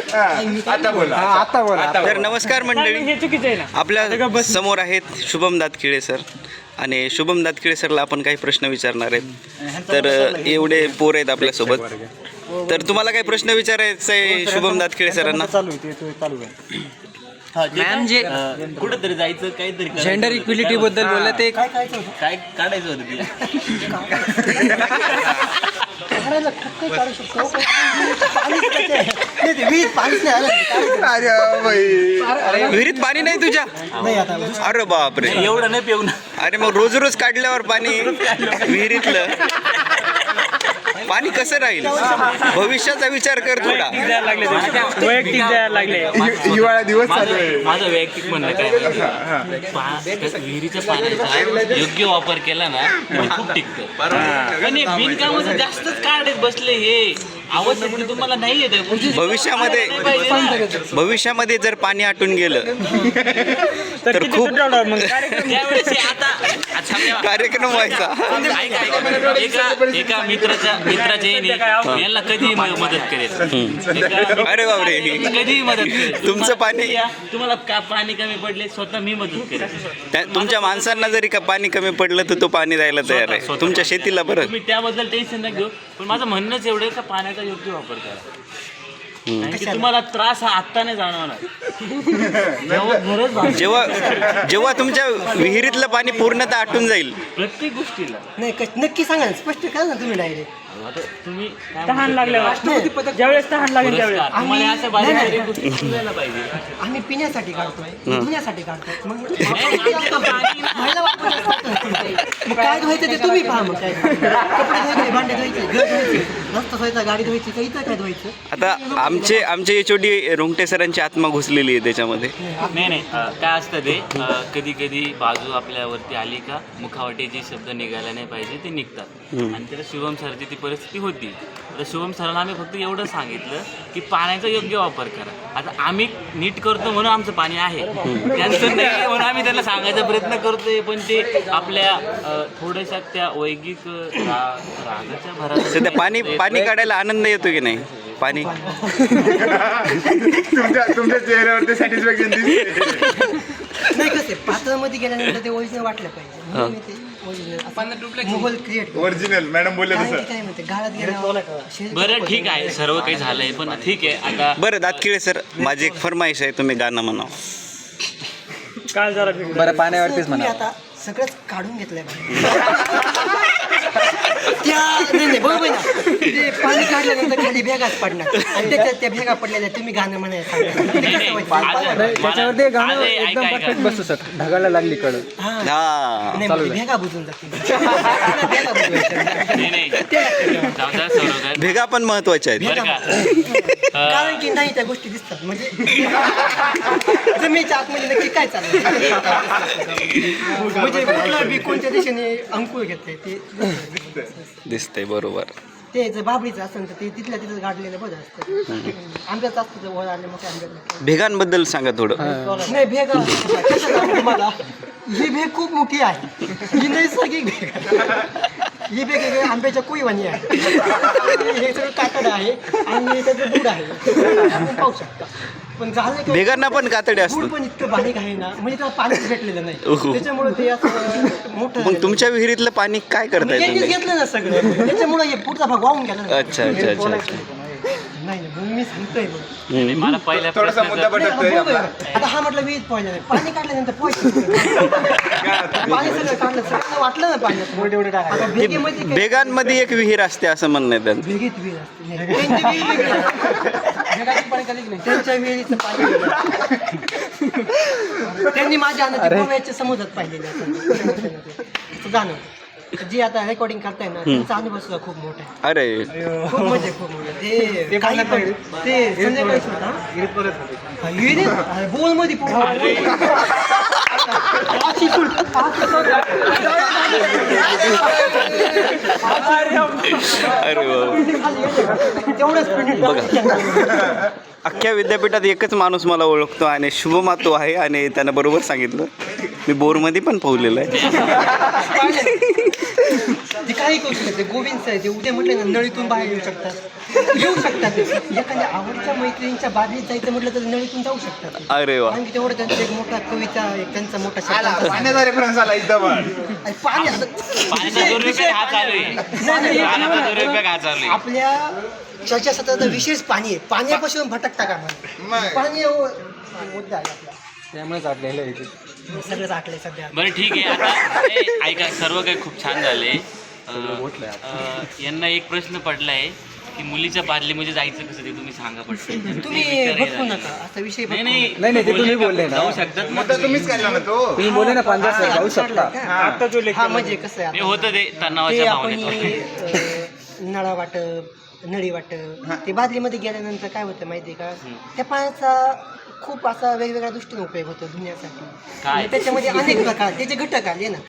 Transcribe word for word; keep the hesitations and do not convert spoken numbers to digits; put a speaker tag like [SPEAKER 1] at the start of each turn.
[SPEAKER 1] आता बोला आता बोला
[SPEAKER 2] तर नमस्कार मंडळी,
[SPEAKER 3] हे चुकीचं आहे ना.
[SPEAKER 2] आपल्या समोर आहेत शुभम दातखिळे सर आणि शुभम दातखिळे सरला आपण काही प्रश्न विचारणार आहेत. तर एवढे पोर आहेत आपल्यासोबत, तर तुम्हाला काही प्रश्न विचारायचा आहे शुभम दातखिळे सरांना?
[SPEAKER 1] चालू आहे ते चालू आहे.
[SPEAKER 4] मॅम जे कुठंतरी जायचं काहीतरी
[SPEAKER 3] जेंडर इक्विलिटी बद्दल बोलले ते
[SPEAKER 4] काय काढायचं होतं
[SPEAKER 2] विहिरीत पाणी नाही तुझ्या? अरे बापरे,
[SPEAKER 4] एवढं नाही पिऊन.
[SPEAKER 2] अरे मग रोज रोज काढल्यावर पाणी विहिरीतलं पाणी कसं राहील? भविष्याचा विचार कर थोडा.
[SPEAKER 3] वैयक्तिक द्यायला लागले.
[SPEAKER 1] हिवाळा दिवस चालू आहे.
[SPEAKER 4] माझं वैयक्तिक म्हणणं काय विहिरीच्या पाण्याचा योग्य वापर केला ना तर खूप टिकतं. आणि बिनकामाचं जास्तच काढत बसले हे आवश्यक तुम्हाला नाही येत.
[SPEAKER 2] भविष्यामध्ये भविष्यामध्ये जर पाणी आटून गेलं तर
[SPEAKER 3] किती
[SPEAKER 2] खूप
[SPEAKER 3] तुटवणार मग कार्यक्रम?
[SPEAKER 4] त्यावेळेस हे आता आता समजा-
[SPEAKER 2] कार्यक्रम व्हायचा.
[SPEAKER 4] ऐका, ऐका. एका एका मित्राच्या मित्राच्या याने यांना कधी मदत करेल. एका-
[SPEAKER 2] अरे बापरे,
[SPEAKER 4] कधीही मदत करेल.
[SPEAKER 2] तुमचं पाणी
[SPEAKER 4] तुम्हाला का पाणी कमी पडले स्वतः मी मदत करेल.
[SPEAKER 2] त्या- तुमच्या माणसांना जरी का पाणी कमी पडलं तर तो पाणी द्यायला तयार आहे. तुमच्या शेतीला बरं.
[SPEAKER 4] तुम्ही त्याबद्दल टेन्शन नाही घेऊ, पण माझं म्हणणंच एवढं आहे का पाण्याचा योग्य वापर करा. कारण की तुम्हाला त्रास हा आत्ता नाही जाणवणार. जेव्हा गरज भासेल,
[SPEAKER 2] जेव्हा जेव्हा तुमच्या विहिरीतलं पाणी पूर्णतः आटून जाईल
[SPEAKER 4] प्रत्येक गोष्टीला
[SPEAKER 5] नाही क- नक्की सांगा ना, स्पष्ट करा ना तुम्ही डायरेक्ट.
[SPEAKER 4] आता तुम्ही काय
[SPEAKER 3] तहान
[SPEAKER 4] म्हणता?
[SPEAKER 3] लागल्यावर ज्यावेळेस तहान लागेल त्यावेळेस
[SPEAKER 4] पुरस्कार. तुम्हाला असं बारीक बारीक गोष्टी समजायला पाहिजे.
[SPEAKER 5] आम्ही पिण्यासाठी काढतोय, धुण्यासाठी काढतोय. मग
[SPEAKER 4] नाही, पाणी-
[SPEAKER 5] महिला वापरतात. मग काय धुवायचं ते तुम्ही पहा. मग काय कपडे धुवायचे, भांडे धुवायचे, घर धुवायचे, रस्ता धुवायचा, गाडी धुवायची, तर इथं काय धुवायचं?
[SPEAKER 2] आता आमचे आमचे एच ओ डी रोंगटे सरांची आत्मा घुसलेली आहे त्याच्यामध्ये.
[SPEAKER 4] नाही नाही अं, काय असतं ते कधी कधी बाजू आपल्यावरती आली का मुखावटे जे शब्द निघायला नाही पाहिजे ते निघतात. आणि त्याला शुभम सरची ती परिस्थिती होती. तर शुभम सरांना आम्ही फक्त एवढं सांगितलं की पाण्याचा योग्य वापर करा. आता आम्ही नीट करतो म्हणून आमचं पाणी आहे, त्यांचं नाही म्हणून आम्ही त्यांना सांगायचा प्रयत्न करतोय. पण ते आपल्या अं, थोड्याशा त्या वैगिक रा- रागाच्या भरात
[SPEAKER 2] सध्या पाणी पाणी काढायला आनंद येतो की नाही? पाणी
[SPEAKER 1] तुमच्या तुमच्या चेहऱ्यावरती सॅटिस्फॅक्शन दिसते.
[SPEAKER 5] नाही कसं पात्रामध्ये गेल्यानंतर ते ओरिजिनल वाटलं पाहिजे. म्हणून मी ते original mobile create
[SPEAKER 1] original madam बोलले
[SPEAKER 5] काय
[SPEAKER 1] तसं.
[SPEAKER 5] काय म्हणते गाळात गेल्यावर
[SPEAKER 4] बरं ठीक आहे, सर्व काही झालंय पण ठीक आहे. आता
[SPEAKER 2] बरं दातखिळे सर, माझी एक फरमाईश आहे, तुम्ही गाणं म्हणावं.
[SPEAKER 3] काल जरा
[SPEAKER 5] बरं पाण्यावरतीच म्हणा. आता सगळंच काढून घेतलंय बाहेर. त्या नाही नाही बरोबर आहे ना. ते पाणी काढल्यानंतर खाली भेगाच पडणार आणि त्याच्यात त्या भेगा पडलेल्या तुम्ही गाणं म्हणायला सांगा. ते
[SPEAKER 4] नाही,
[SPEAKER 5] कसं
[SPEAKER 4] नाही,
[SPEAKER 5] व्हायचं?
[SPEAKER 4] आज-
[SPEAKER 3] त्याच्यावरती गाणं
[SPEAKER 4] आज- ऐका,
[SPEAKER 3] एकदम
[SPEAKER 4] ऐका.
[SPEAKER 3] परफेक्ट बसू सर. ढगाला लागली कळ.
[SPEAKER 5] हा.
[SPEAKER 2] हा
[SPEAKER 5] नाही म्हणजे भेगा बुजून जातील. भेगा बुजवायच्या.
[SPEAKER 4] नाही नाही जाऊ द्या सौरव.
[SPEAKER 2] भेगा पण महत्वाच्या आहेत.
[SPEAKER 4] बरं का
[SPEAKER 5] कारण की नाही त्या गोष्टी दिसतात म्हणजे जमिनीच्या आतमध्ये नक्की काय चाललं म्हणजे कुठला बी कोणत्या दिशेने अंकुर घेतले ते
[SPEAKER 2] दिसतंय बरोबर.
[SPEAKER 5] ते जर बाबळीचं असेल तर ते तिथल्या तिथं गाडलेलं बरं असतं. आंब्याच असतं वर आले मग आंब्यात
[SPEAKER 2] भेगांबद्दल सांगा थोडं.
[SPEAKER 5] नाही भेग कसं सांगू तुम्हाला, ही भेग खूप मोठी आहे. ही नैसर्गिक भेग ही भेग आहे आंब्याच्या कुईवाणी आहे. हे सगळं कातड आहे आणि त्याचं दूध आहे. आपण पाहू शकता. पण झालं काय,
[SPEAKER 2] भेगांना पण कातडे
[SPEAKER 5] दूध
[SPEAKER 2] असतात.
[SPEAKER 5] पण इतकं बारीक आहे ना, म्हणजे त्याला पाणीच भेटलेलं नाही.
[SPEAKER 2] ओहो.
[SPEAKER 5] त्याच्यामुळे ते असं मोठं
[SPEAKER 2] मग तुमच्या विहिरीतलं पाणी काय करताय
[SPEAKER 5] त्यांनीच
[SPEAKER 2] तुम्ही?
[SPEAKER 5] घेतलं ना सगळं, त्याच्यामुळे हे पुढचा भाग वाहून गेला ना.
[SPEAKER 2] अच्छा अच्छा अच्छा अच्छा.
[SPEAKER 5] नाही नाही, म्हणून मी सांगतोय बघ.
[SPEAKER 4] नाही, मला पहिल्या
[SPEAKER 1] थोडासा मुद्दा
[SPEAKER 4] प्रश्नाचं-
[SPEAKER 1] पटकतोय आपला.
[SPEAKER 5] आता हा म्हटलं वीज पाहिजे नाही, पाणी काढल्यानंतर पाणी सगळं काढलं, सगळं वाटलं ना पाण्यात. आता भेगेमध्ये काय-
[SPEAKER 2] भेगांमध्ये एक विहीर असते असं म्हणणं आहे त्यांचं.
[SPEAKER 5] भेगेत विहीर असते. नाही, त्यांची विहीर वेगळी असते. भेगाचं पाणी कधीच नाही. त्यांच्या विहिरीचं पाणी वेगळं. त्यांनी माझ्या अन्न गोव्याच्या समुद्रात पाहिलेले असं जाणं. जी आता रेकॉर्डिंग करताय ना त्यांचा अनुभव सुद्धा खूप मोठा आहे.
[SPEAKER 2] अरे
[SPEAKER 5] खूप म्हणजे खूप मोठा. ते काही पण ते संध्याकाळी सुद्धा विहिरीत बोल मध्ये
[SPEAKER 2] अरे वा.
[SPEAKER 5] तेवढंच
[SPEAKER 2] बघा, अख्ख्या विद्यापीठात एकच माणूस मला ओळखतो आणि शुभमा तो आहे आणि त्यानं बरोबर सांगितलं. मी बोरमध्ये पण पावलेलं आहे.
[SPEAKER 5] ते काही करू शकते गोविंद आहे ते उद्या म्हटलं ना नळीतून बाहेर येऊ शकतात येऊ शकतात एखाद्या आवडीच्या मैत्रिणींच्या बाजूला जायचं म्हटलं तर नळीतून जाऊ शकतात.
[SPEAKER 2] अरे वा.
[SPEAKER 5] कारण की तेवढं त्यांचा एक मोठा कविता एक त्यांचा मोठा
[SPEAKER 1] आला
[SPEAKER 5] शब्द
[SPEAKER 1] पाण्याचा रेफरन्स आला एकदम.
[SPEAKER 5] आणि पाणी आता-
[SPEAKER 4] पाण्याचा दुरुपयोग हा चालू आहे. पाण्याचा दुरुपयोग हा चालू आहे.
[SPEAKER 5] आपल्या चर्चासत्राचा विशेष पाणी आहे. पाण्यापासून भटकता का
[SPEAKER 1] मग.
[SPEAKER 5] पाणी हो- मुद्दा आहे आपला.
[SPEAKER 3] त्यामुळेच आटलेलं आहे ते.
[SPEAKER 5] सगळंच आटलंय सध्या.
[SPEAKER 4] बरं ठीक आहे आता ए, ऐका सर्व काही खूप छान झाले. अं, अं, यांना एक प्रश्न पडला आहे की मुलीच्या बादलीमध्ये जायचं कसं ते तुम्ही सांगा पडतं.
[SPEAKER 5] तुम्ही भटकू नका असा विषय
[SPEAKER 4] नाही
[SPEAKER 5] भटकू
[SPEAKER 4] नाही
[SPEAKER 3] नाही, नाही, ते तुम्ही बोलले ना.
[SPEAKER 4] जाऊ शकतात
[SPEAKER 1] मुद्दा तुम्हीच काढला ना तो.
[SPEAKER 3] तुम्ही बोले ना पंजाब सर जाऊ शकता.
[SPEAKER 5] आता जो हा म्हणजे कसं आहे
[SPEAKER 4] हे होतं ते
[SPEAKER 5] ते
[SPEAKER 4] तणावाच्या
[SPEAKER 5] आपण
[SPEAKER 4] भावनेत.
[SPEAKER 5] अं, नळा वाटप नळी वाटप ते बादलीमध्ये गेल्यानंतर काय होतं माहिती आहे का त्या पाण्याचा खूप असा वेगवेगळ्या दृष्टीने उपयोग होतो धुण्यासाठी
[SPEAKER 4] काय?
[SPEAKER 5] आणि त्याच्यामध्ये अनेक प्रकार त्याचे घटक आले ना